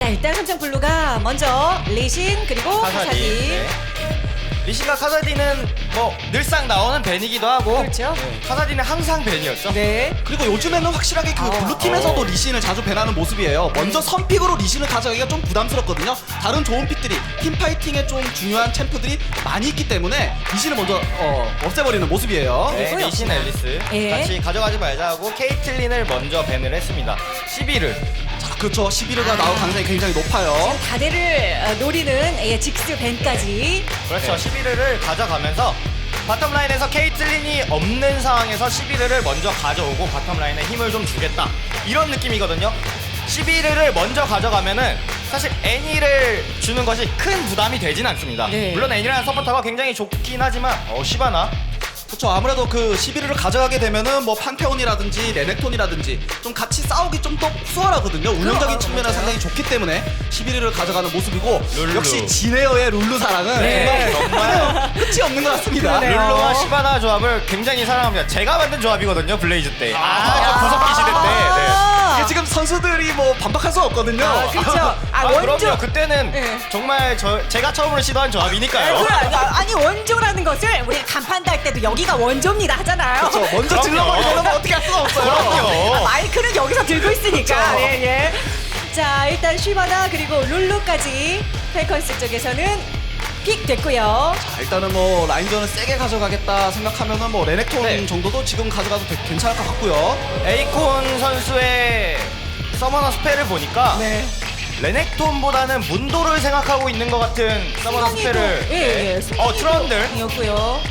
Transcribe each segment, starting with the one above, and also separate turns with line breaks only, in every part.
일단 삼성블루가 먼저 리신 그리고 카사디.
네. 리신과 카사디는 뭐 늘상 나오는 벤이기도 하고
그렇죠.
카사디는 항상 벤이었죠.
네.
그리고 요즘에는 확실하게 그 블루팀에서도 리신을 자주 배나는 모습이에요. 먼저 선픽으로 리신을 가져가기가 좀 부담스럽거든요. 다른 좋은 픽들이 팀파이팅에 좀 중요한 챔프들이 많이 있기 때문에 리신을 먼저 없애버리는 모습이에요.
네,
이거요.
리신 앨리스
예.
같이 가져가지 말자 하고 케이틀린을 먼저 밴을 했습니다. 11을
자, 그렇죠. 11위가 나올 가능성이 굉장히 높아요.
지금 다대를 노리는 직스 벤까지.
그렇죠. 11을 가져가면서 바텀라인에서 케이틀린이 없는 상황에서 11을 먼저 가져오고 바텀라인에 힘을 좀 주겠다 이런 느낌이거든요. 11을 먼저 가져가면은 사실 애니를 주는 것이 큰 부담이 되진 않습니다.
네.
물론 애니라는 서포터가 굉장히 좋긴 하지만 시바나
그렇죠. 아무래도 그 11위를 가져가게 되면은 뭐 판테온이라든지 레넥톤이라든지 좀 같이 싸우기 좀 더 수월하거든요. 운영적인 측면에서 상당히 좋기 때문에 11위를 가져가는 모습이고
룰루.
역시 진에어의 룰루 사랑은
네, 정말
끝이 없는 것 같습니다.
그러네요.
룰루와 시바나 조합을 굉장히 사랑합니다. 제가 만든 조합이거든요. 블레이즈 때. 저 구석기 시대 때.
이게 지금 선수들이 뭐 반박할 수 없거든요.
그렇죠.
그럼요.
원조.
그때는
네.
정말 제가 처음으로 시도한 조합이니까요.
아니 원조라는 것을 우리가 간판도 할 때도 여기가 원조입니다 하잖아요.
그렇죠. 먼저
그럼요.
질러버리면 어떻게 할 수가 없어요.
그럼요.
마이크는 여기서 들고 있으니까.
그렇죠.
예, 예. 자, 일단 쉬바나 그리고 룰루까지 펠컨스 쪽에서는 픽 됐고요.
자, 일단은 뭐 라인전을 세게 가져가겠다 생각하면은 뭐 레넥톤
네.
정도도 지금 가져가도 괜찮을 것 같고요.
에이콘 선수의 서머너 스펠을 보니까
네.
레넥톤보다는 문도를 생각하고 있는 것 같은 서머너 스펠을
예, 예.
트런들
이었고요.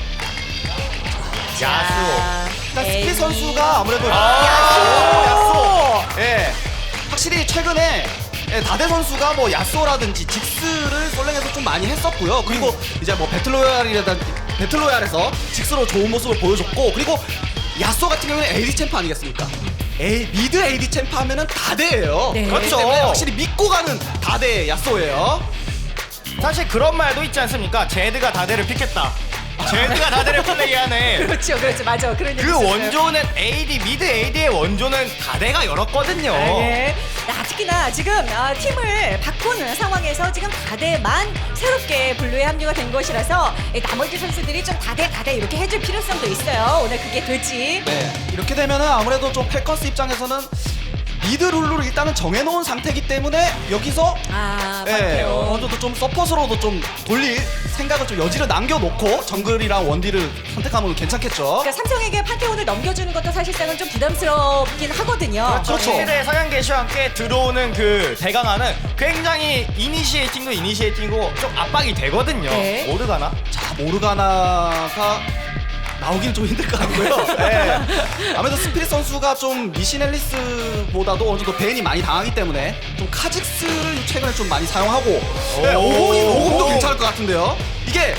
야수
일단 스피
에이.
선수가 아무래도
야수
예, 확실히 최근에 다대 선수가 뭐 야쏘라든지 직스를 솔랭에서 좀 많이 했었고요. 그리고 이제 뭐 배틀로얄에서 직스로 좋은 모습을 보여줬고, 그리고 야쏘 같은 경우는 AD 챔프 아니겠습니까? 미드 AD 챔프 하면은 다대예요.
네.
그렇기 때문에 확실히 믿고 가는 다대 야쏘예요.
사실 그런 말도 있지 않습니까? 제드가 다대를 픽했다. 제드가 다대를 플레이하네.
그렇죠, 그렇죠, 맞아. 그런 얘기
그
있었어요.
원조는 미드 AD의 원조는 다대가 열었거든요.
네. 특히나 지금 팀을 바꾸는 상황에서 지금 다대만 새롭게 블루에 합류가 된 것이라서 나머지 선수들이 좀 다대 이렇게 해줄 필요성도 있어요. 오늘 그게 될지.
네, 이렇게 되면은 아무래도 좀 펠컨스 입장에서는 미드 룰루를 일단은 정해놓은 상태이기 때문에 여기서 예,
맞아요.
어느 정도 좀 서폿으로도 좀 돌릴 생각을 좀 여지를 남겨놓고 정글이랑 원딜을 선택하면 괜찮겠죠.
그러니까 삼성에게 판테온을 넘겨주는 것도 사실상은 좀 부담스럽긴 하거든요.
그렇죠.
시대 서양 개시와 함께 들어오는 그 대강화는 굉장히 이니시에이팅이고 좀 압박이 되거든요.
네.
모르가나?
자, 모르가나가 나오기는 좀 힘들 것 같고요. 네. 아무래도 스피릿 선수가 좀 리신 앨리스보다도 어느 정도 벤이 많이 당하기 때문에 좀 카직스를 최근에 좀 많이 사용하고 네, 오공도 괜찮을 것 같은데요. 이게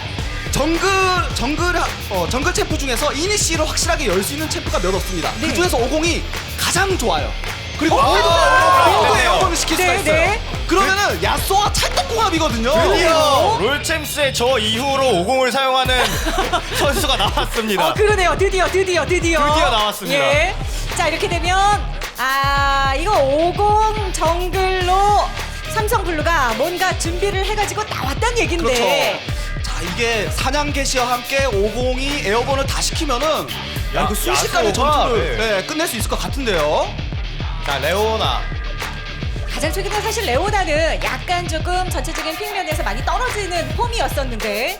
정글 챔프 중에서 이니시를 확실하게 열 수 있는 챔프가 몇 없습니다.
네.
그 중에서 오공이 가장 좋아요. 그리고
그렇네요.
에어건을 시킬 수가
네,
있어요.
네.
그러면은 야쏘와 찰떡궁합이거든요.
드디어 롤챔스의 저 이후로 50을 사용하는 선수가 나왔습니다.
그러네요. 드디어
나왔습니다.
예. 자, 이렇게 되면 이거 50 정글로 삼성블루가 뭔가 준비를 해가지고 나왔단 얘긴데.
그렇죠. 자, 이게 사냥 개시와 함께 50이 에어건을 다 시키면은 이거 순식간에
야수가,
전투를
네.
끝낼 수 있을 것 같은데요.
자, 레오나.
가장 최근에 사실 레오나는 약간 조금 전체적인 픽면에서 많이 떨어지는 폼이었었는데.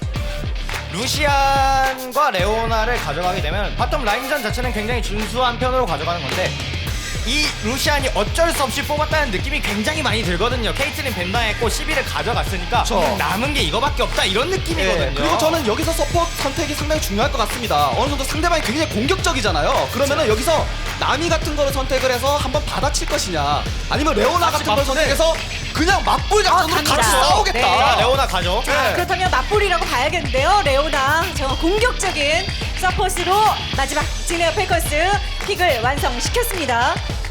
루시안과 레오나를 가져가게 되면 바텀 라인전 자체는 굉장히 준수한 편으로 가져가는 건데 이 루시안이 어쩔 수 없이 뽑았다는 느낌이 굉장히 많이 들거든요. 케이틀린 벤다했고 11을 가져갔으니까
그렇죠.
남은 게 이거밖에 없다 이런 느낌이거든요.
네, 그리고 저는 여기서 서포트 선택이 상당히 중요할 것 같습니다. 어느 정도 상대방이 굉장히 공격적이잖아요. 그러면은 여기서 나미 같은 거를 선택을 해서 한번 받아칠 것이냐, 아니면 레오나 같은 걸 선택해서 그냥 맞불 작전으로
갑니다.
같이 싸우겠다.
네.
자, 레오나 가죠.
네.
그렇다면 맞불이라고 봐야겠는데요. 레오나 정말 공격적인 서폿으로 마지막 진에어 펠컨스 픽을 완성시켰습니다.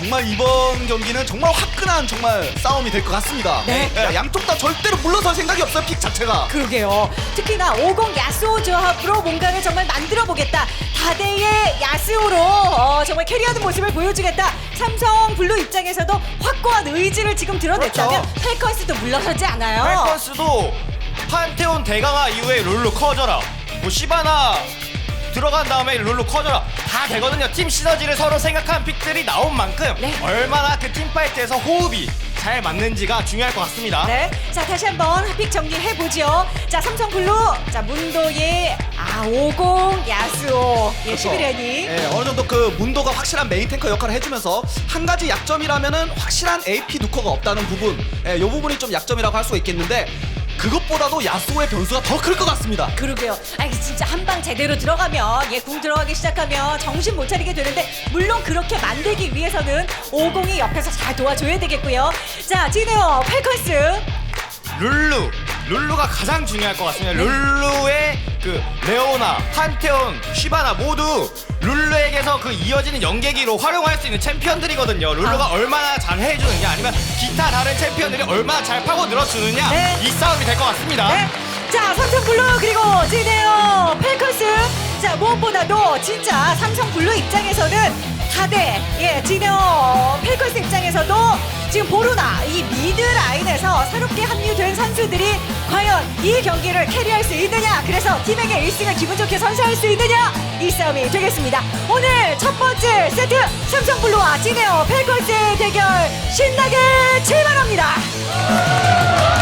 정말 이번 경기는 정말 화끈한 정말 싸움이 될 것 같습니다.
네.
양쪽 다 절대로 물러설 생각이 없어요. 픽 자체가.
그러게요. 특히나 50 야스오 조합으로 뭔가를 정말 만들어 보겠다. 다대의 야스오로 정말 캐리하는 모습을 보여주겠다. 삼성 블루 입장에서도 확고한 의지를 지금 드러냈다면
그렇죠.
펠컨스도 물러서지 않아요.
펠컨스도 판테온 대강화 이후에 룰루 커져라, 뭐 시바나 들어간 다음에 룰루 커져라 다 되거든요. 팀 시너지를 서로 생각한 픽들이 나온 만큼
네.
얼마나 그 팀파이트에서 호흡이 잘 맞는지가 중요할 것 같습니다.
네. 자, 다시 한번 픽 정리해 보죠. 자, 삼성 블루. 자, 문도의 50 야스오. 예, 11레니.
예, 어느 정도 그 문도가 확실한 메인 탱커 역할을 해주면서 한 가지 약점이라면은 확실한 AP 누커가 없다는 부분. 예, 이 부분이 좀 약점이라고 할 수가 있겠는데 그것보다도 야스오의 변수가 더 클 것 같습니다.
그러게요. 아, 이게 진짜 한 방 제대로 들어가면 궁 들어가기 시작하면 정신 못 차리게 되는데 물론 그렇게 만들기 위해서는 50이 옆에서 잘 도와줘야 되겠고요. 자, 지네요 펠컨스.
룰루가 가장 중요할 것 같습니다. 룰루의 그 레오나, 판테온, 쉬바나 모두 룰루에게서 그 이어지는 연계기로 활용할 수 있는 챔피언들이거든요. 룰루가 얼마나 잘 해주느냐 아니면 기타 다른 챔피언들이 얼마나 잘 파고 늘어주느냐
네.
이 싸움이 될 것 같습니다.
네. 자, 삼성 블루 그리고 지네요 펠컨스. 자, 무엇보다도 진짜 삼성 블루 입장에서는 다대 지네요 펠컨스 입장에서도 지금 보루나 이 미드 라인에서 새롭게 합류된 선수들이 과연 이 경기를 캐리할 수 있느냐, 그래서 팀에게 1승을 기분 좋게 선사할 수 있느냐, 이 싸움이 되겠습니다. 오늘 첫 번째 세트 삼성 블루와 지네요 펠컨스의 대결 신나게 출발합니다.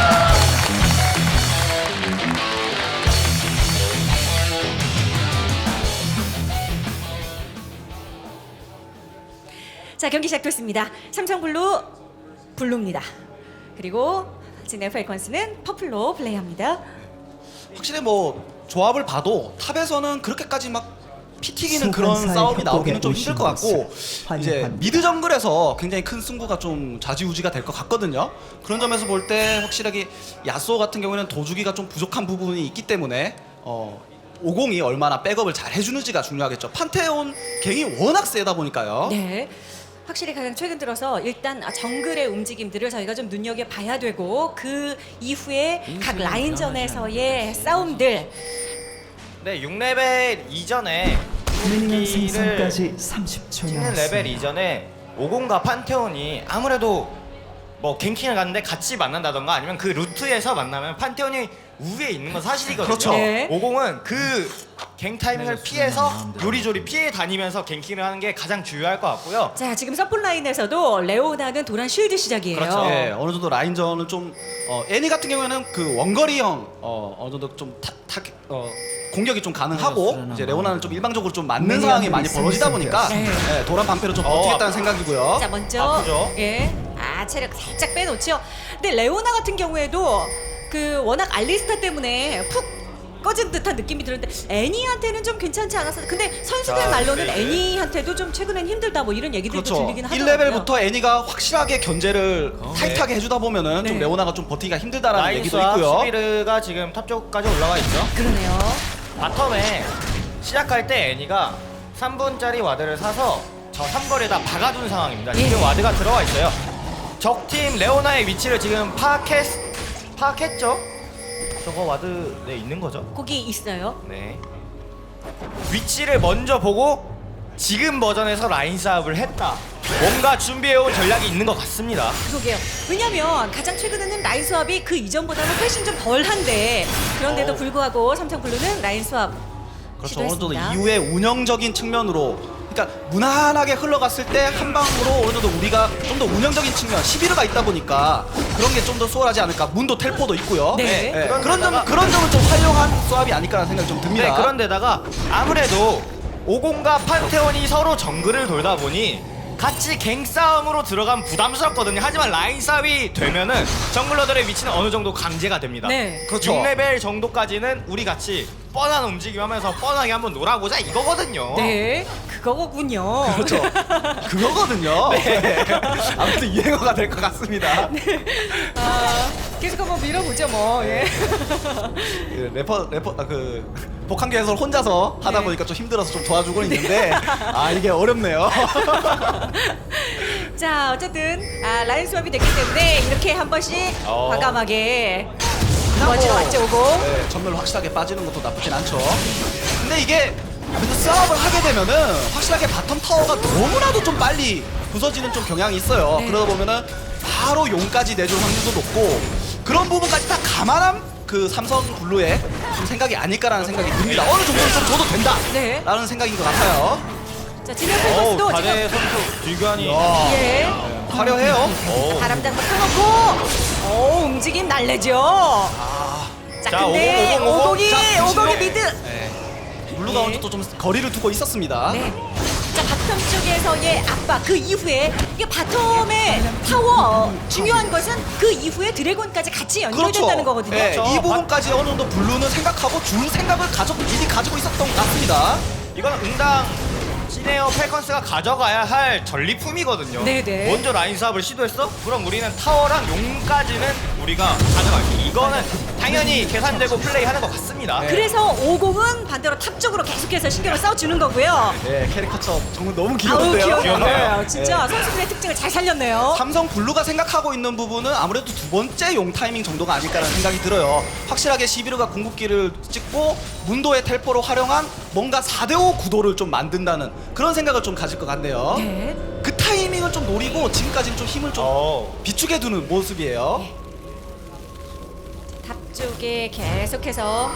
자, 경기 시작됐습니다. 삼성 블루 블루입니다. 그리고 지네요 펠컨스는 퍼플로 플레이합니다.
확실히 뭐 조합을 봐도 탑에서는 그렇게까지 막 피 튀기는 그런
소환사의
싸움이 나오기는
협곡에
좀 힘들 것 같고
오신
이제
환영합니다.
미드 정글에서 굉장히 큰 승부가 좀 좌지우지가 될 것 같거든요. 그런 점에서 볼 때 확실하게 야스오 같은 경우에는 도주기가 좀 부족한 부분이 있기 때문에 50이 얼마나 백업을 잘 해주는지가 중요하겠죠. 판테온 갱이 워낙 세다 보니까요.
네. 확실히 가장 최근 들어서 일단 정글의 움직임들을 저희가 좀 눈여겨봐야 되고 그 이후에 각 라인전에서의 싸움들.
네, 6레벨 이전에
미니언
경기를
생성까지 30초
찍는 레벨
남았습니다.
이전에 50과 판테온이 아무래도 뭐 갱킹을 갔는데 같이 만난다던가 아니면 그 루트에서 만나면 판테온이 우위에 있는 건 사실이거든요.
그렇죠.
네.
50은 그 갱 타이밍을 피해서 요리조리 피해 다니면서 갱킹을 하는 게 가장 중요할 것 같고요.
자, 지금 서플 라인에서도 레오나는 도란 쉴드 시작이에요.
그렇죠.
예, 어느 정도 라인전은 좀 애니 같은 경우에는 그 원거리형 어느 정도 좀 공격이 좀 가능하고 이제 레오나는 좀 일방적으로 좀 맞는
미니언들이
상황이 많이 벌어지다 보니까
네.
예, 도란 방패로 좀 버티겠다는 생각이고요.
자, 먼저
아프죠?
체력 살짝 빼놓죠. 근데 레오나 같은 경우에도 그 워낙 알리스타 때문에 푹 꺼진 듯한 느낌이 드는데 애니한테는 좀 괜찮지 않았어. 근데 선수들
자,
말로는
네.
애니한테도 좀 최근엔 힘들다 뭐 이런 얘기들도
그렇죠.
들리긴 하더라고요.
1레벨부터 애니가 확실하게 견제를 타이트하게 해주다 보면은
네.
좀 레오나가 좀 버티기가 힘들다라는 얘기도
라인스와
있고요.
수비르가 지금 탑 쪽까지 올라와 있죠.
그러네요.
바텀에 시작할 때 애니가 3분짜리 와드를 사서 저 삼거리에다 박아둔 상황입니다.
예.
지금 와드가 들어와 있어요. 적팀 레오나의 위치를 지금 파악했죠? 저거 와드 네 있는 거죠?
거기 있어요.
네. 위치를 먼저 보고 지금 버전에서 라인 싸움을 했다. 뭔가 준비해온 전략이 있는 것 같습니다.
그러게요. 왜냐면 가장 최근에는 라인 수압이 그 이전보다는 훨씬 좀 덜한데 그런데도 불구하고 삼성 블루는 라인 수압
그렇죠. 어느 정도
시도했습니다.
이후에 운영적인 측면으로 그러니까 무난하게 흘러갔을 때 한 방으로 어느 정도 우리가 좀 더 운영적인 측면 11호가 있다 보니까 그런 게 좀 더 수월하지 않을까. 문도 텔포도 있고요.
네.
예, 그런 점은 좀 활용한 수압이 아닐까라는 생각이 좀 듭니다.
네, 그런데다가 아무래도 50과 판테온이 서로 정글을 돌다 보니 같이 갱 싸움으로 들어가면 부담스럽거든요. 하지만 라인 싸움이 되면은 정글러들의 위치는 어느 정도 강제가 됩니다.
네.
그렇죠.
6레벨 정도까지는 우리 같이 뻔한 움직임하면서 뻔하게 한번 놀아보자 이거거든요.
네, 그거군요.
그렇죠. 그거거든요. 네. 아무튼 유행어가 될 것 같습니다.
계속 한번 밀어보죠 뭐. 예.
그 복한계 해설 혼자서 하다
네.
보니까 좀 힘들어서 좀 도와주고 있는데 이게 어렵네요.
자, 어쨌든 라인 수업이 됐기 때문에 이렇게 한 번씩 과감하게 먼저 왔죠, 오고.
네, 전멸로 확실하게 빠지는 것도 나쁘진 않죠. 근데 이게 그래서 싸움을 하게 되면은 확실하게 바텀 타워가 너무나도 좀 빨리 부서지는 좀 경향이 있어요.
네.
그러다 보면은 바로 용까지 내줄 확률도 높고 그런 부분까지 다 감안한 그 삼성 블루의 좀 생각이 아닐까라는 생각이 듭니다. 어느 정도는 좀 줘도 된다.
네.
라는 생각인 것 같아요.
자, 진영 펠커스도
다대
지금
선수 딜교환이
예.
화려해요.
바람장도 펴놓고 움직임 날래죠. 자,
자,
근데
50, 50.
자,
오공이 미드.
네. 블루가 먼저 또 좀 거리를 두고 있었습니다.
네. 자, 바텀 쪽에서의 압박 그 이후에 이게 바텀의 타워 중요한 것은 그 이후에 드래곤까지 같이 연결된다는 거거든요.
네,
그렇죠.
이 부분까지 어느 정도 블루는 생각하고 줄 생각을 미리 가지고 있었던 것 같습니다.
이건 응당 시네어 펠컨스가 가져가야 할 전리품이거든요.
네네.
먼저 라인 사업을 시도했어? 그럼 우리는 타워랑 용까지는 우리가 가져갈게. 이거는 당연히 계산되고 플레이하는 것 같습니다.
그래서 50은 반대로 탑 쪽으로 계속해서 신경을 써주는 거고요.
네, 캐릭터처 정말 너무
아우
귀여운데요.
귀엽네요. 진짜
네.
선수들의 특징을 잘 살렸네요.
삼성 블루가 생각하고 있는 부분은 아무래도 두 번째 용 타이밍 정도가 아닐까라는 생각이 들어요. 확실하게 시비르가 궁극기를 찍고 문도의 텔포를 활용한 뭔가 4대5 구도를 좀 만든다는 그런 생각을 좀 가질 것 같네요.
네.
그 타이밍을 좀 노리고 지금까지는 좀 힘을 좀 비축해 두는 모습이에요.
탑 쪽에 계속해서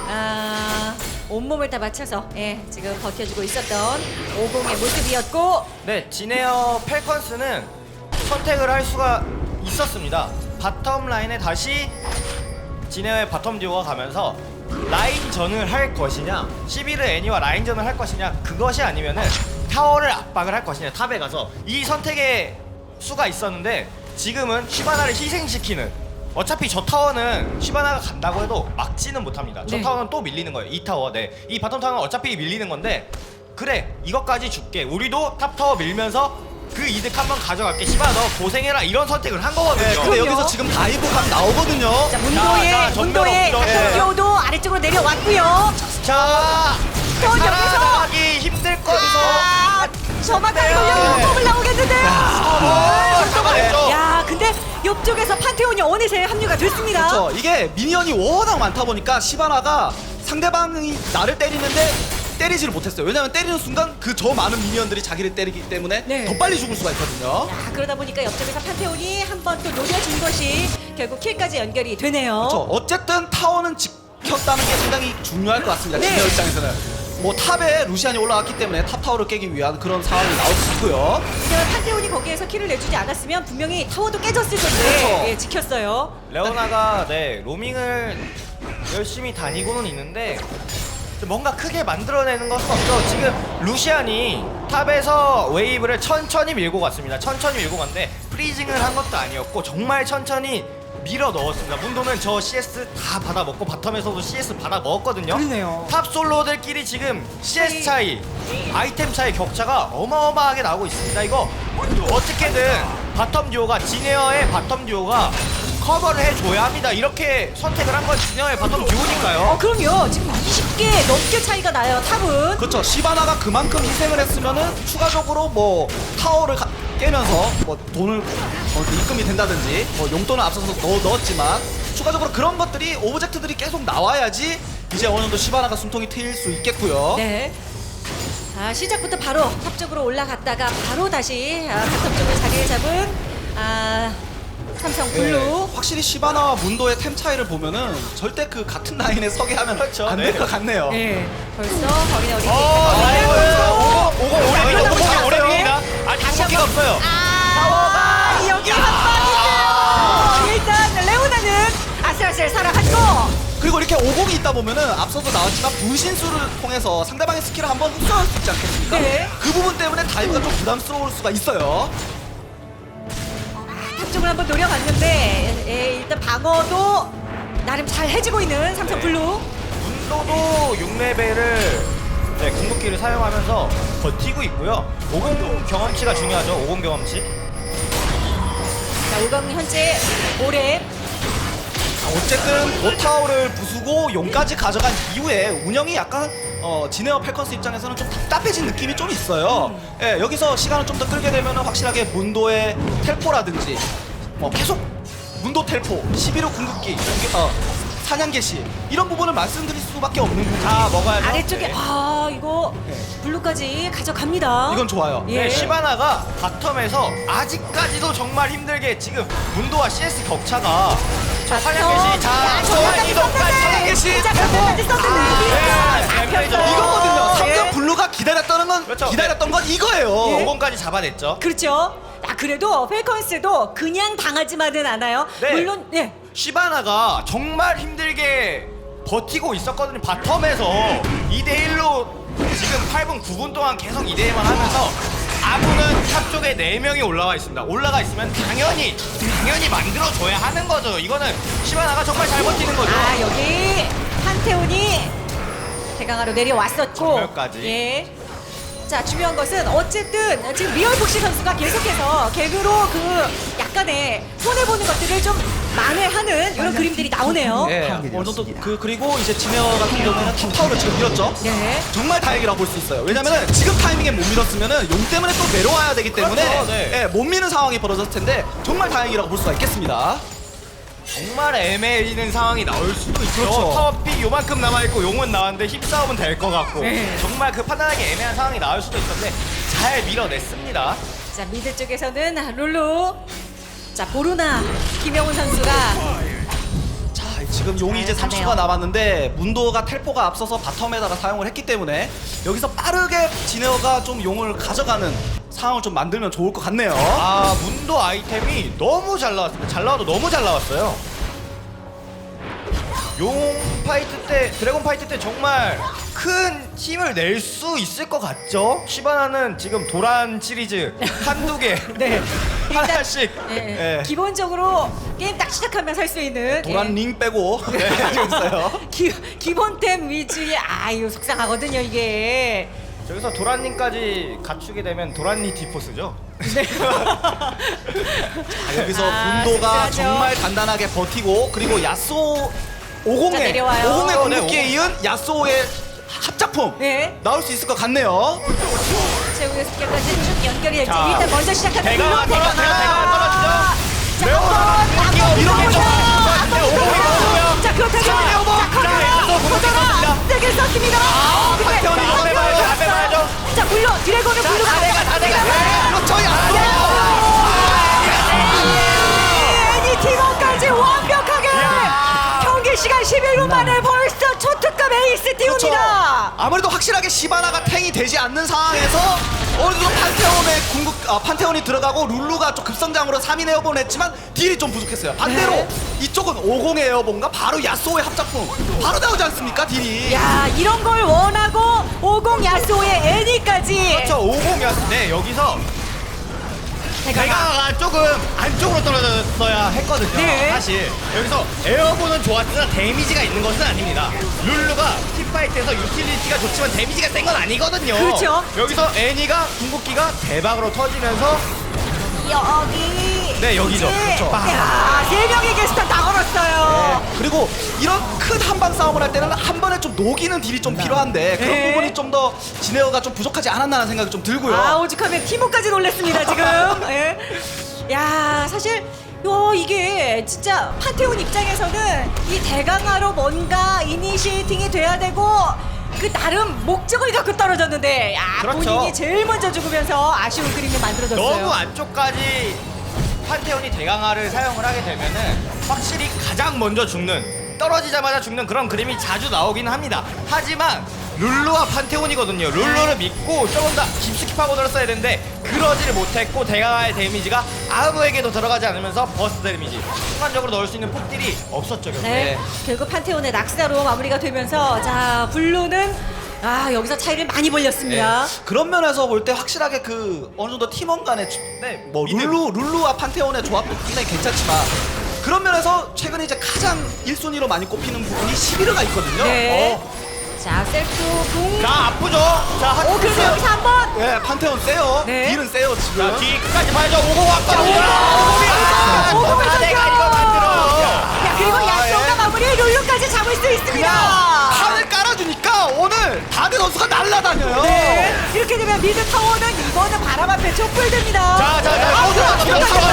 온몸을 다 바쳐서 지금 버텨주고 있었던 50의 모습이었고
네, 지네어 펠컨스는 선택을 할 수가 있었습니다. 바텀 라인에 다시 지네어의 바텀 듀오가 가면서 라인전을 할 것이냐, 11의 애니와 라인전을 할 것이냐, 그것이 아니면은 타워를 압박을 할 것이냐, 탑에 가서 이 선택의 수가 있었는데 지금은 시바나를 희생시키는, 어차피 저 타워는 시바나가 간다고 해도 막지는 못합니다. 저
네.
타워는 또 밀리는 거예요. 이 타워. 네. 이 바텀 타워는 어차피 밀리는 건데, 그래 이것까지 줄게. 우리도 탑 타워 밀면서 그 이득 한번 가져갈게. 시바나 너 고생해라. 이런 선택을 한 거거든요.
네, 근데
그럼요.
여기서 지금 다이브 각 나오거든요.
자, 문도의
전면 없죠.
탑도도 아래쪽으로 내려왔고요.
자,
또 여기서
살아나가기 힘들 거기서
저만까지
네.
걸려면 컵을 나오겠는데요.
잡아냈죠.
야, 근데 옆쪽에서 판테온이 어느새 합류가 됐습니다.
그렇죠. 이게 미니언이 워낙 많다 보니까 시바나가 상대방이 나를 때리는데 때리지를 못했어요. 왜냐면 때리는 순간 그 저 많은 미니언들이 자기를 때리기 때문에
네.
더 빨리 죽을 수가 있거든요.
야, 그러다 보니까 옆쪽에서 판테온이 한 번 또 노려준 것이 결국 킬까지 연결이 되네요.
그렇죠. 어쨌든 타워는 지켰다는 게 상당히 중요할 것 같습니다.
네.
지니어 입장에서는. 뭐 탑에 루시안이 올라갔기 때문에 탑 타워를 깨기 위한 그런 상황이 나올 수 있고요.
하지만 판테온이 거기에서 킬을 내주지 않았으면 분명히 타워도 깨졌을 텐데
그렇죠.
지켰어요.
레오나가 로밍을 열심히 다니고는 있는데 뭔가 크게 만들어내는 것은 없죠. 지금 루시안이 탑에서 웨이브를 천천히 밀고 갔습니다. 천천히 밀고 갔는데 프리징을 한 것도 아니었고 정말 천천히 밀어 넣었습니다. 문도는 저 CS 다 받아 먹고 바텀에서도 CS 받아 먹었거든요.
그러네요.
탑 솔로들끼리 지금 CS 차이, 아이템 차이 격차가 어마어마하게 나오고 있습니다. 이거 어떻게든 바텀 듀오가 지네어의 바텀 듀오가 커버를 해줘야 합니다. 이렇게 선택을 한 건 지네어의 바텀 듀오니까요.
그럼요. 지금 20개 넘게 차이가 나요. 탑은.
그렇죠. 시바나가 그만큼 희생을 했으면은 추가적으로 뭐 타워를 깨면서 뭐 돈을 입금이 된다든지 뭐 용돈을 앞서서 넣었지만 추가적으로 그런 것들이 오브젝트들이 계속 나와야지 이제 어느 정도 시바나가 숨통이 트일 수 있겠고요.
네. 시작부터 바로 탑 쪽으로 올라갔다가 바로 다시 바텀 쪽을 자리를 잡은 삼성 블루.
네, 확실히 시바나와 문도의 템 차이를 보면은 절대 그 같은 라인에 서게 하면
그렇죠.
안 될 것 같네요.
네. 벌써 거기는 어디
오고 오래입니다. 아직 공기가 없어요.
여기 한 방인데요. 일단 레오나는 아슬아슬 살아갔고.
그리고 이렇게 50이 있다 보면은 앞서도 나왔지만 분신술을 통해서 상대방의 스킬을 한번 흡수할 수 있지 않겠습니까?
네.
그 부분 때문에 다이브가 좀 부담스러울 수가 있어요.
탑 쪽을 한번 노려봤는데 일단 방어도 나름 잘 해주고 있는 삼성 블루.
문도도 6레벨을 궁극기를 사용하면서 버티고 있고요. 50 경험치가 중요하죠. 50 경험치.
자, 50 현재 올해
어쨌든 보타워를 부수고 용까지 가져간 이후에 운영이 약간 지네어 펠컨스 입장에서는 좀 답답해진 느낌이 좀 있어요. 예, 여기서 시간을 좀 더 끌게 되면 확실하게 문도의 텔포라든지 뭐 계속 문도 텔포, 11호 궁극기, 사냥 개시 이런 부분을 말씀드릴 수밖에 없는 부분이
다 먹어야죠.
아래쪽에
네.
이거 블루까지 가져갑니다.
이건 좋아요.
예.
네, 시바나가 바텀에서 아직까지도 정말 힘들게 지금 문도와 CS 격차가 자 사냥개시 자
정확하게
이동까지
사냥개시
자, 변태까지 썼는데
네,
이거거든요. 삼성
예.
블루가 기다렸다는 건
그렇죠.
기다렸던 건 이거예요.
5번까지 잡아냈죠.
그렇죠. 그래도 펠컨스도 그냥 당하지만은 않아요.
네.
물론 예.
시바나가 정말 힘들게 버티고 있었거든요. 바텀에서 2대1로 지금 8분 9분 동안 계속 2대1만 하면서 아부는 탑 쪽에 4명이 올라와 있습니다. 올라가 있으면 당연히 만들어줘야 하는 거죠. 이거는 시바나가 정말 잘 버티는 거죠.
여기 판테온이 대강하로 내려왔었고
전멸까지.
예. 자, 중요한 것은 어쨌든 지금 리얼복시 선수가 계속해서 개그로 그 약간의 손해보는 것들을 좀 만회하는 이런 그림들이 나오네요.
예, 어느 정도 그리고 이제 지네어 같은 경우에는 탑타워를 지금 밀었죠.
네.
정말 다행이라고 볼 수 있어요. 왜냐면은 지금 타이밍에 못 밀었으면은 용 때문에 또 내려와야 되기 때문에
그렇죠, 네.
예, 못 미는 상황이 벌어졌을 텐데 정말 다행이라고 볼 수가 있겠습니다.
정말 애매해지는 상황이 나올 수도 있죠.
그렇죠.
파워픽 요만큼 남아있고 용은 나왔는데 힘싸움은 될 것 같고
네.
정말 그 판단하기 애매한 상황이 나올 수도 있었는데 잘 밀어냈습니다.
자, 미드 쪽에서는 룰루. 자, 보루나 김영훈 선수가
자, 지금 용이 이제
가네요.
30초가 남았는데 문도가 텔포가 앞서서 바텀에다가 사용을 했기 때문에 여기서 빠르게 지네어가 좀 용을 가져가는 상황을 좀 만들면 좋을 것 같네요.
아 문도 아이템이 너무 잘 나왔습니다. 잘 나와도 너무 잘 나왔어요. 용 파이트 때 드래곤 파이트 때 정말 큰 힘을 낼 수 있을 것 같죠? 시바나는 지금 도란 시리즈 한두 개
네.
하나씩
예.
예.
기본적으로 게임 딱 시작하면 살 수 있는
도란 링 빼고 네, 하고 있어요.
기본템 위주의 이거 속상하거든요 이게.
저기서 도란님까지 갖추게 되면 도란니 디포스죠?
자, 여기서 문도가
씁쓸하죠.
정말 간단하게 버티고 그리고 야쏘
자,
50의
내려와요.
50의 궁극기에
네,
이은 야쏘의 합작품
네.
나올 수 있을 것 같네요.
최후의 습격까지 쭉 연결이 될지
자,
일단 먼저 시작하는
대강아 떨어지죠.
자,
매우
한번
이렇게 좀
한번
오고요.
자, 그렇다면
자, 야쏘
커져라 세게 썼습니다. 근데
판테온이
앞에 봐야죠, 앞에 봐야죠.
자, 물로 드래곤은 물로
다 돼가, 다 돼가.
그렇죠, 야쏘.
애니 팀원까지 완벽하게 경기 시간 11분 만에 벌써 초특급 에이스
그렇죠.
띄웁니다.
아무래도 확실하게 시바나가 탱이 되지 않는 상황에서 어느 정도 판테온이 들어가고 룰루가 좀 급성장으로 3인 에어본 했지만 딜이 좀 부족했어요. 반대로
네.
이쪽은 50 에어본과 바로 야쏘의 합작품 바로 나오지 않습니까 딜이.
야, 이런 걸 원하고 50 야쏘의 애니까지.
그렇죠. 50이었을 때 여기서 대강아가 조금 안쪽으로 떨어졌어야 했거든요.
네.
사실 여기서 에어본은 좋았으나 데미지가 있는 것은 아닙니다. 룰루가 팀파이트에서 유틸리티가 좋지만 데미지가 센 건 아니거든요.
그렇죠.
여기서 애니가 궁극기가 대박으로 터지면서
여기.
네, 여기죠. 그렇죠.
야, 3명의 게스트 다 걸었어요.
그리고 이런 큰 한방 싸움을 할 때는 한 번에 좀 녹이는 딜이 좀 필요한데 그런
네.
부분이 좀 더 지네어가 좀 부족하지 않았나라는 생각이 좀 들고요.
오죽하면 티모까지 놀랬습니다 지금. 예. 야, 사실 이게 진짜 판테온 입장에서는 이 대강화로 뭔가 이니시에이팅이 돼야 되고 그 나름 목적을 갖고 떨어졌는데
그렇죠.
본인이 제일 먼저 죽으면서 아쉬운 그림이 만들어졌어요.
너무 안쪽까지 판테온이 대강화를 사용을 하게 되면은 확실히 가장 먼저 죽는 떨어지자마자 죽는 그런 그림이 자주 나오긴 합니다. 하지만 룰루와 판테온이거든요. 룰루를 믿고 조금 더 깊숙이 파고들었어야 되는데 그러지를 못했고 대강화의 데미지가 아무에게도 들어가지 않으면서 버스트 데미지 순간적으로 넣을 수 있는 폭딜이 없었죠. 결국에.
네, 결국 판테온의 낙사로 마무리가 되면서 자, 블루는 여기서 차이를 많이 벌렸습니다.
그런 면에서 볼 때 확실하게 그 어느 정도 팀원 간의 뭐
믿음.
룰루와 판테온의 조합도 굉장히 괜찮지만 그런 면에서 최근에 이제 가장 1순위로 많이 꼽히는 부분이 시비르가 있거든요.
네. 자, 셀프 궁.
자 아프죠. 자 한.
그래서 여기서 한번.
네, 판테온 세요.
네.
딜은 세요
자
지금.
뒤 끝까지 봐야죠. 오고 왔거든요.
오고
내가 이거 만들어.
야, 그리고 야쏘가 그러면 미드 타워는 이거는 바람 앞에 촛불됩니다.
자,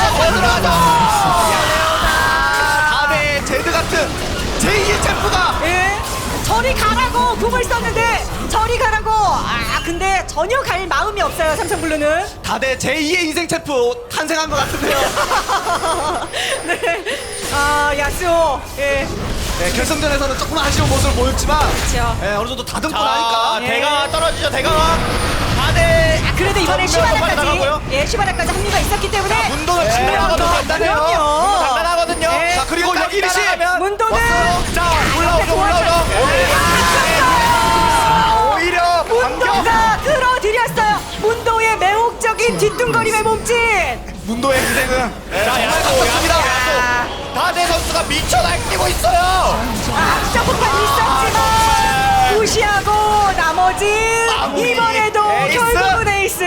다음에 제드 같은 제2의 챔프가
예. 저리 가라고 궁을 썼는데 저리 가라고. 근데 전혀 갈 마음이 없어요 삼성블루는.
다들 제2의 인생 챔프 탄생한 것 같은데요.
네. 야스오. 예.
네, 결승전에서는 조금 아쉬운 모습을 보였지만
그렇죠.
네, 어느 정도 다듬고
자,
나니까
예.
대강아 떨어지죠. 대강아. 다들
그래도 이번에
정면 빨리
시바라까지
나가고요.
예 시바라까지 합류가 있었기 때문에
문도는 진행하고도 간단해요.
그럼요.
간단하거든요.
네.
자, 그리고
끝까지
여기 리시!
따라가면
문도는
자, 올라오죠. 오히려 반격.
문도가 끌어들였어요. 문도의 매혹적인 뒤뚱거림의 몸짓.
문도의 희생은
자, 야수. 다대 선수가 미쳐 날뛰고 있어요.
점프판이 있었지만 무시하고 나머지
마무리.
이번에도
에이스.
결국은 에이스.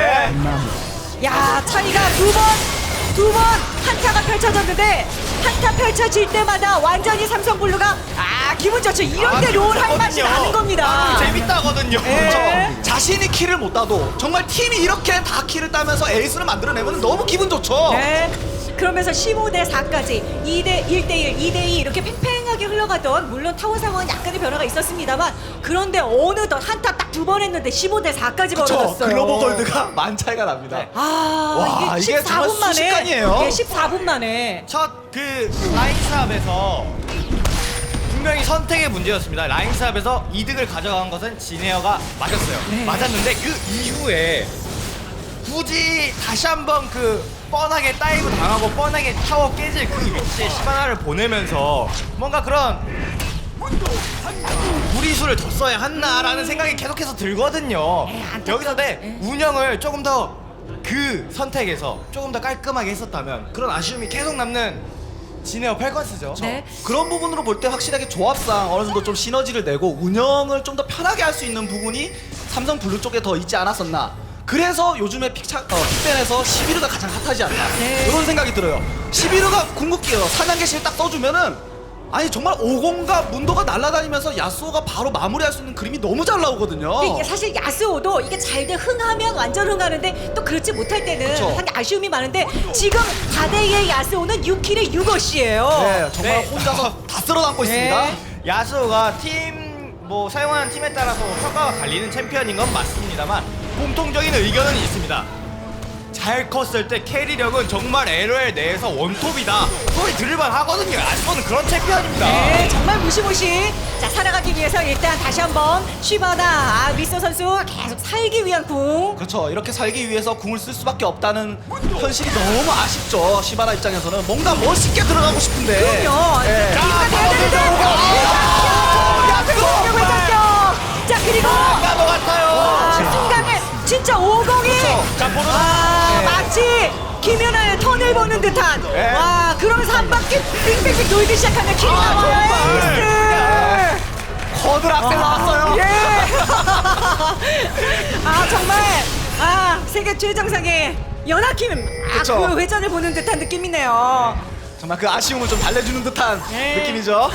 야 차이가 두 번 한타가 펼쳐졌는데 한타 펼쳐질 때마다 완전히 삼성블루가 기분 좋죠. 이런 때 롤 할 맛이 나는 겁니다.
재밌다거든요.
예.
자신이 키를 못 따도 정말 팀이 이렇게 다 키를 따면서 에이스를 만들어내면 너무 기분 좋죠.
네. 그러면서 15대 4까지 1대 2, 2대2 이렇게 팽팽하게 흘러가던 물론 타워 상황은 약간의 변화가 있었습니다만 그런데 어느덧 한타 딱 두 번 했는데 15대 4까지
그렇죠.
벌어졌어요.
글로벌 골드가 만 차이가 납니다.
네.
와,
이게
이게 정말
14분 만에
순식간이에요.
예, 14분 만에
첫 그 라인스압에서 분명히 선택의 문제였습니다. 라인스압에서 이득을 가져간 것은 진에어가 맞았어요.
네.
맞았는데 그 이후에 굳이 다시 한번 그 뻔하게 다이브 당하고 뻔하게 타워 깨질 그 위치에 시바나를 보내면서 뭔가 그런 무리수를 더 써야 했나라는 생각이 계속해서 들거든요. 여기서 내 운영을 조금 더 그 선택에서 조금 더 깔끔하게 했었다면 그런 아쉬움이 계속 남는 진에어 펠컨스죠.
네.
그런 부분으로 볼 때 확실하게 조합상 어느 정도 좀 시너지를 내고 운영을 좀 더 편하게 할 수 있는 부분이 삼성 블루 쪽에 더 있지 않았었나. 그래서 요즘에 픽밴에서 11호가 가장 핫하지 않나
네.
이런 생각이 들어요. 11호가 궁극기예요. 사냥개실 딱 써주면은 아니 정말 오공과 문도가 날아다니면서 야스오가 바로 마무리할 수 있는 그림이 너무 잘 나오거든요.
이게 사실 야스오도 이게 잘 돼 흥하면 완전 흥하는데 또 그렇지 못할 때는
그쵸.
상당히 아쉬움이 많은데 지금 4대2의 야스오는 6킬의 6어시예요.
네, 정말
네.
혼자서 다 쓸어담고 있습니다.
야스오가 팀 뭐 사용하는 팀에 따라서 평가가 갈리는 챔피언인 건 맞습니다만 공통적인 의견은 있습니다. 잘 컸을 때 캐리력은 정말 LOL 내에서 원톱이다 소리 들을만 하거든요. 야스오는 그런 챔피언입니다.
네, 정말 무시무시. 자, 살아가기 위해서 일단 다시 한번 쉬바나 미소 선수 계속 살기 위한 궁.
그렇죠. 이렇게 살기 위해서 궁을 쓸 수밖에 없다는 현실이 너무 아쉽죠. 시바나 입장에서는 뭔가 멋있게 들어가고 싶은데.
그럼요.
네.
이유가 돼야 되는데. 공격을 쳤죠. 자, 그리고
것 같아요.
순간에 진짜 501.
자, 보는
네.
마치 김연아의 턴을 보는 듯한
네.
와 그러면서 한 바퀴 빙빙빙 돌기 시작하면 킬이 나와요. 에이스.
거들 악셀 나왔어요.
예. 정말 세계 최정상의 연하킴
그쵸.
그 회전을 보는 듯한 느낌이네요.
정말 그 아쉬움을 좀 달래주는 듯한
네.
느낌이죠.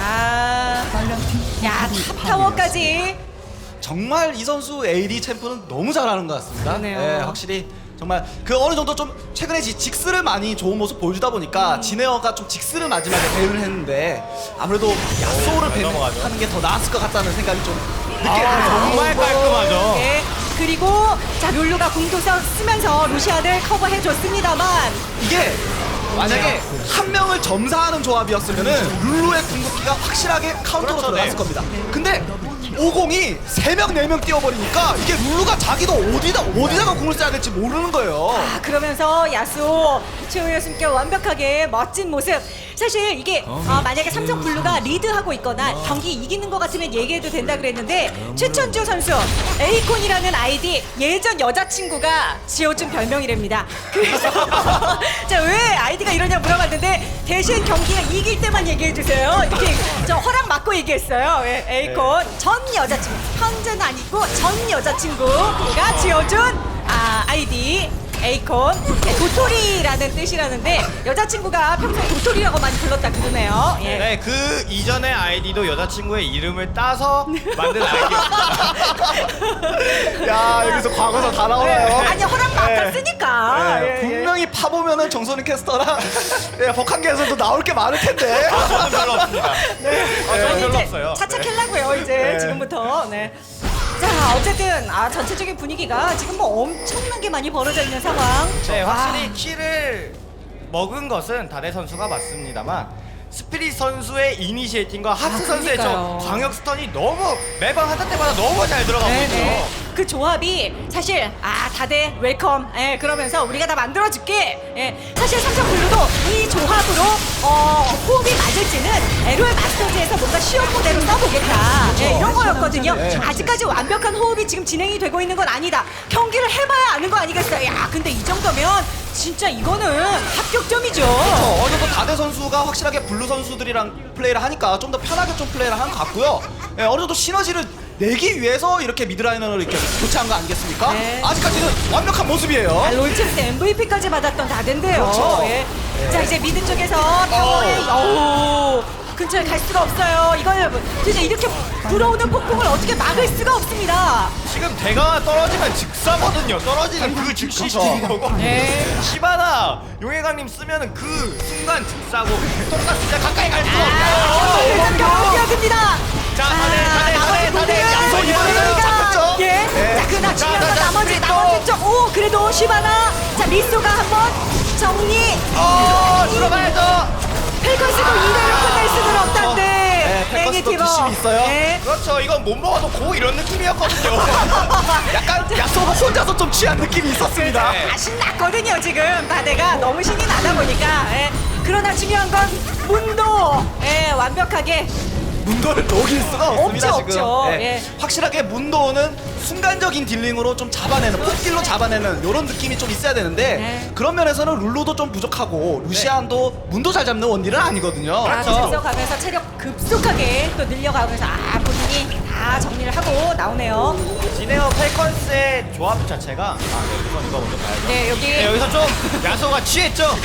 야 탑타워까지.
정말 이 선수 AD 챔프는 너무 잘하는 것 같습니다.
그러네요.
네, 확실히 정말 그 어느 정도 좀 최근에 직스를 많이 좋은 모습 보여주다 보니까 진에어가 좀 직스를 마지막에 배를 했는데 아무래도 야소를
넘어가죠.
하는 게 더 나았을 것 같다는 생각이 좀
정말 깔끔하죠.
예. 그리고 자 룰루가 궁도서 쓰면서 루시안을 커버해줬습니다만
이게 만약에 한 명을 점사하는 조합이었으면은 룰루의 궁극기가 확실하게 카운터로
그렇죠,
들어갔을
네.
겁니다. 근데 50이 3명, 4명 뛰어버리니까 이게 룰루가 자기도 어디다가 궁을 써야 될지 모르는 거예요.
그러면서 야수 최우열 숨겨 완벽하게 멋진 모습. 사실 이게 만약에 삼성 블루가 리드하고 있거나 경기 이기는 것 같으면 얘기해도 된다 그랬는데 최천주 선수 에이콘이라는 아이디 예전 여자친구가 지어준 별명이랍니다. 그래서 자 왜 아이디가 이러냐 물어봤는데 대신 경기가 이길 때만 얘기해주세요. 이렇게 저 허락 받고 얘기했어요. 에이콘 전 여자친구 현재는 아니고 전 여자친구가 지어준 아이디 에이콘. 네, 도토리라는 뜻이라는데 여자친구가 평소에 도토리라고 많이 불렀다 그러네요. 예.
네, 그 이전의 아이디도 여자친구의 이름을 따서 만든 아이디였습니다.
야 여기서 과거사 다 나오나요?
아니 허락 맡았으니까.
네,
예, 예.
분명히 파보면은 정선희 캐스터랑 버칸계에서도 나올 게 많을 텐데.
저는 별로 없습니다. 저는
아니,
별로
이제
없어요.
차차캘라고요 이제
네.
지금부터. 네. 자 어쨌든 전체적인 분위기가 지금 뭐 엄청나게 많이 벌어져 있는 상황.
네, 확실히 키를 먹은 것은 다대 선수가 맞습니다만 스피릿 선수의 이니시에이팅과 하트 선수의 저
그러니까요.
광역 스턴이 너무 매번 하다 때마다 너무 잘 들어가고 있어요.
네네. 그 조합이 사실 다들 웰컴 그러면서 우리가 다 만들어줄게. 사실 삼성블루도 이 조합으로 호흡이 맞을지는 LOL 마스터즈에서 뭔가 시험 모델로 써보겠다 이런 거였거든요.
네.
아직까지 완벽한 호흡이 지금 진행이 되고 있는 건 아니다. 경기를 해봐야 아는 거 아니겠어요. 야 근데 이 정도면 진짜 이거는 합격점이죠.
어느 정도 다대 선수가 확실하게 블루 선수들이랑 플레이를 하니까 좀 더 편하게 좀 플레이를 한 것 같고요. 예, 어느 정도 시너지를 내기 위해서 이렇게 미드라이너를 이렇게 교체한 거 아니겠습니까?
네.
아직까지는 완벽한 모습이에요.
롤챔스 MVP까지 받았던 다덴데요.
그렇죠.
예. 자 이제 미드 쪽에서 타워에 근처에 갈 수가 없어요. 이걸 진짜 이렇게 불어오는 폭풍을 어떻게 막을 수가 없습니다.
지금 대가 떨어지면 즉사거든요. 떨어지는 그 즉시
그렇죠.
거고.
네.
시바나 용해강님 쓰면은 그 순간 즉사고 똑같이 진짜 가까이 갈 수가 없어요.
일단 경기합니다.
자, 다대
양손 이번에는 잡혔죠?
예.
네.
자 그나 중요한 건
자,
나머지
또.
쪽. 오 그래도 시바나. 자 미소가 한번 정리.
들어가야죠.
펠커스도 이대로 끝낼 수는 없단데.
네, 펠커스도
애니티버.
뒷심이 있어요.
네.
그렇죠. 이건 못 먹어도 고 이런 느낌이었거든요.
약간 야소가 혼자서 좀 취한 느낌이 있었습니다.
네.
신났거든요 지금 다대가 너무 신이 나다 보니까. 그러나 중요한 건 문도 완벽하게
문도를 녹일 수가 없습니다.
없죠,
지금.
없죠.
예.
예.
확실하게 문도는 순간적인 딜링으로 좀 잡아내는 폭딜로 잡아내는 이런 느낌이 좀 있어야 되는데
네.
그런 면에서는 룰루도 좀 부족하고 루시안도 문도 잘 잡는 원딜은 아니거든요.
그래서 가면서 체력 급속하게 또 늘려가면서 본인이 다 정리를 하고 나오네요.
지네어 펠컨스의 조합 자체가 우선 이거 먼저 봐야죠.
네 여기
네, 여기서 좀 야소가 취했죠.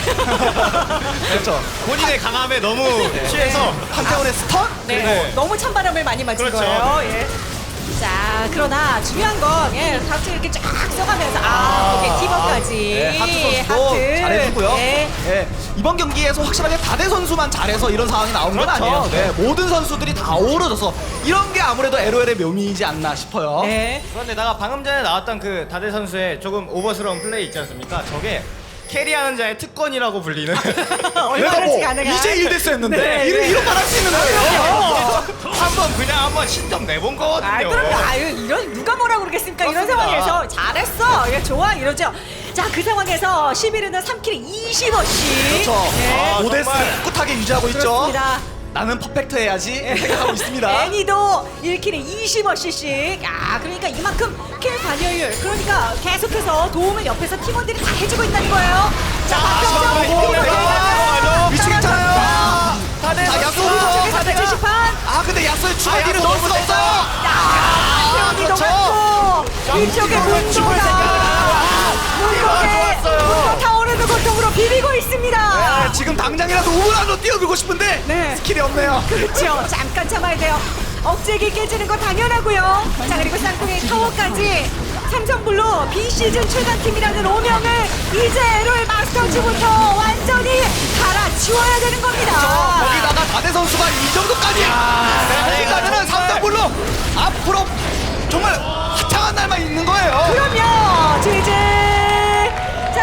그렇죠.
본인의 강함에 너무 취해서
판테온의 스턴?
네,
네.
너무 찬바람을 많이 맞은
그렇죠.
거예요. 예. 자 그러나 중요한 건 하트 이렇게 쫙 써가면서 오케이 티버까지
네, 하트 선수도 잘해주고요.
네.
네, 이번 경기에서 확실하게 다대 선수만 잘해서 이런 상황이 나온 건
그렇죠.
아니에요. 네, 모든 선수들이 다 어우러져서 이런 게 아무래도 LOL의 묘미이지 않나 싶어요.
네.
그런데다가 방금 전에 나왔던 그 다대 선수의 조금 오버스러운 플레이 있지 않습니까? 저게 캐리하는 자의 특권이라고 불리는
내가
얼마나
뭐
가능한
이제 1대스 했는데
네,
이런 말 할 수 있는 거예요.
한번 신점 내본 거거든요.
그럼요. 이런 누가 뭐라고 그러겠습니까? 이런
그렇습니다.
상황에서 잘했어. 좋아 이러죠. 자 그 상황에서 11위는 3킬에 20원씩.
그렇죠.
네.
5대스
정말.
꿋하게 유지하고 있죠.
그렇습니다.
나는 퍼펙트 해야지 생각하고 있습니다.
애니도 1킬에 20원씩. 그러니까 이만큼 킬 관여율. 그러니까 계속해서 도움을 옆에서 팀원들이 다 해주고 있다는 거예요. 자
정말 힘들어요.
위치 괜찮아요.
다대
자,
선수.
야수.
쪽에서 제시판.
근데 야스의 추가 딜을
야수
넣을 수가
너무
없어요.
태연이
그렇죠.
녹았고 이쪽에
죽을 생각을
문도가
좋았어요.
타오르는 고통으로 비비고 있습니다.
네, 지금 당장이라도 우물 안으로 뛰어들고 싶은데
네.
스킬이 없네요.
그렇죠. 잠깐 참아야 돼요. 억제기 깨지는 건 당연하고요. 자 그리고 쌍둥이 타워까지 삼성블루 비시즌 최강팀이라는 오명을 이제 LOL 마스터즈부터 완전히 갈아치워야 되는 겁니다.
거기다가 다대 선수가 이 정도까지 가면은 삼성블루 앞으로 정말 화창한 날만 있는 거예요.
그럼요. 이제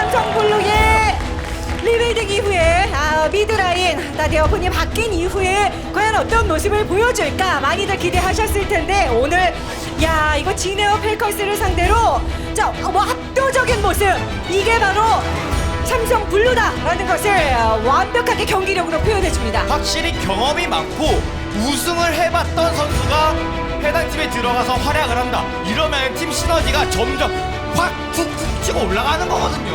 삼성블루의 리빌딩 이후에 미드라인 다대어폰이 바뀐 이후에 과연 어떤 모습을 보여줄까 많이들 기대하셨을 텐데 오늘 이거 지네어 펠커스를 상대로 뭐 압도적인 모습 이게 바로 삼성 블루다라는 것을 완벽하게 경기력으로 표현해줍니다.
확실히 경험이 많고 우승을 해봤던 선수가 해당 팀에 들어가서 활약을 한다. 이러면 팀 시너지가 점점 확 툭툭 치고 올라가는 거거든요.